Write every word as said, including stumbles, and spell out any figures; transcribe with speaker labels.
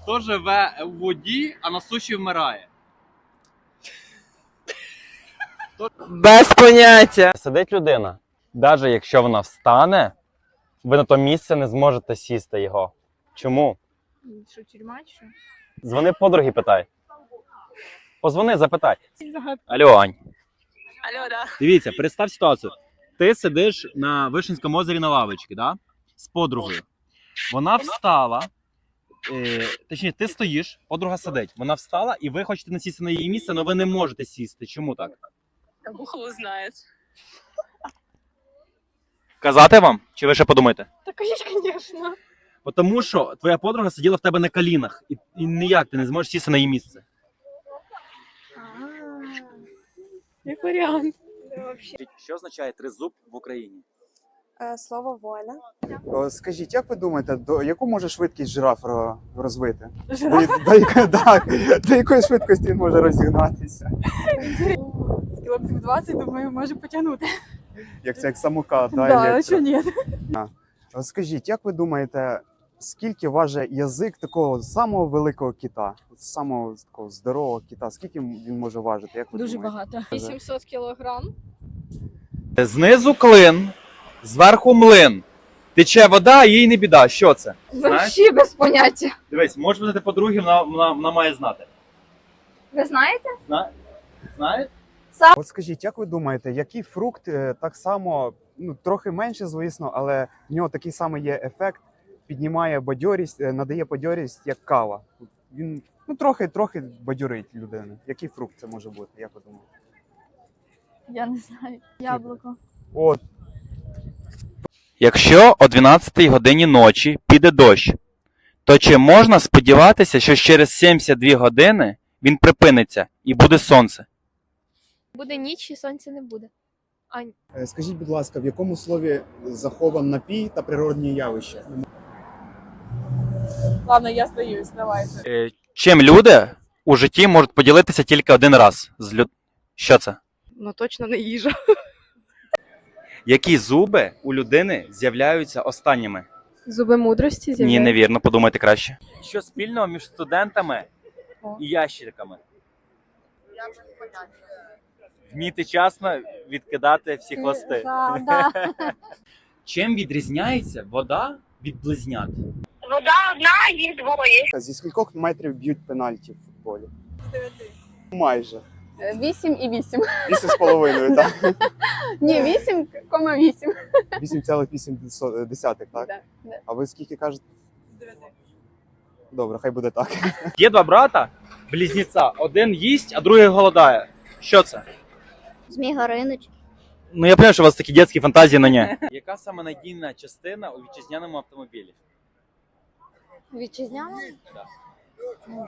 Speaker 1: Хто живе в воді, а на суші вмирає?
Speaker 2: Без поняття.
Speaker 3: Сидить людина. Навіть якщо вона встане, ви на то місце не зможете сісти його. Чому?
Speaker 4: Що, тюрма чи що?
Speaker 3: Дзвони подруги, питай. Позвони, запитай. Алло, Ань.
Speaker 2: Алло, да.
Speaker 1: Дивіться, представ ситуацію. Ти сидиш на Вишенському озері на лавочці, да? З подругою. Вона встала, е, точніше, ти стоїш, подруга сидить. Вона встала, і ви хочете насісти на її місце, але ви не можете сісти. Чому так?
Speaker 2: Бог знає.
Speaker 1: Казати вам? Чи ви ще подумаєте?
Speaker 4: Так, звісно.
Speaker 1: Тому що твоя подруга сиділа в тебе на колінах, і, і ніяк ти не зможеш сісти на її місце.
Speaker 4: Як варіант.
Speaker 1: Що означає тризуб в Україні?
Speaker 5: Слово воля.
Speaker 6: О, Скажіть, як ви думаєте, до яку може швидкість жираф ро- розвити?
Speaker 4: Жираф?
Speaker 6: До, до, яко- так, до якої швидкості він може розігнатися?
Speaker 4: З кілометрів двадцять, думаю, може потягнути.
Speaker 6: Як це як самокат, да,
Speaker 4: Да, а
Speaker 6: електро.
Speaker 4: що ні?
Speaker 6: О, Скажіть, як ви думаєте, скільки важить язик такого самого великого кита, самого такого здорового кита? Скільки він може важити? Як ви
Speaker 4: Дуже
Speaker 6: думаєте?
Speaker 4: багато.
Speaker 5: вісімсот кілограм.
Speaker 1: Знизу клин, зверху млин. Тече вода, а їй не біда. Що це?
Speaker 5: Взагалі без поняття.
Speaker 1: Дивись, може бути подруги, вона, вона, вона має знати.
Speaker 5: Ви знаєте?
Speaker 1: Зна... Знає?
Speaker 6: От скажіть, як ви думаєте, який фрукт е, так само, ну трохи менше, звісно, але в нього такий самий є ефект, піднімає бадьорість, е, надає бадьорість, як кава. Він ну трохи трохи бадьорить людину. Який фрукт це може бути? Як ви думаєте?
Speaker 4: Я не знаю. Яблуко.
Speaker 6: От.
Speaker 1: Якщо о дванадцятій годині ночі піде дощ, то чи можна сподіватися, що через сімдесят дві години він припиниться і буде сонце?
Speaker 5: Буде ніч і сонця не буде.
Speaker 6: Е, Скажіть, будь ласка, в якому слові захован напій та природні явища?
Speaker 4: Ладно, я здаюсь, давайте.
Speaker 1: Е, чим люди у житті можуть поділитися тільки один раз? З люд... Що це?
Speaker 4: Ну точно не їжа.
Speaker 1: Які зуби у людини з'являються останніми?
Speaker 5: Зуби мудрості
Speaker 1: Ні,
Speaker 5: з'являються.
Speaker 1: невірно, подумайте краще. Що спільного між студентами і ящерками? Вміти вчасно відкидати всі хвости.
Speaker 5: Да, да.
Speaker 1: Чим відрізняється вода від близнят?
Speaker 7: Вода одна, їх двоє.
Speaker 6: Зі скількох метрів б'ють пенальті в футболі?
Speaker 4: З дев'яти.
Speaker 6: Майже.
Speaker 5: Вісім і вісім.
Speaker 6: Вісім з половиною, так?
Speaker 5: Ні, вісім кома вісім.
Speaker 6: Вісім цілих вісім десятих, так?
Speaker 5: Да, да.
Speaker 6: А ви скільки кажете?
Speaker 4: З дев'яти.
Speaker 6: Добре, хай буде так.
Speaker 1: Є два брата, близнеця. Один їсть, а другий голодає. Що це?
Speaker 5: Змій Горинич.
Speaker 1: Ну я розумію, що у вас такі дитячі фантазії, але ні. Яка саме надійна частина у вітчизняному автомобілі?
Speaker 5: Вітчизняна?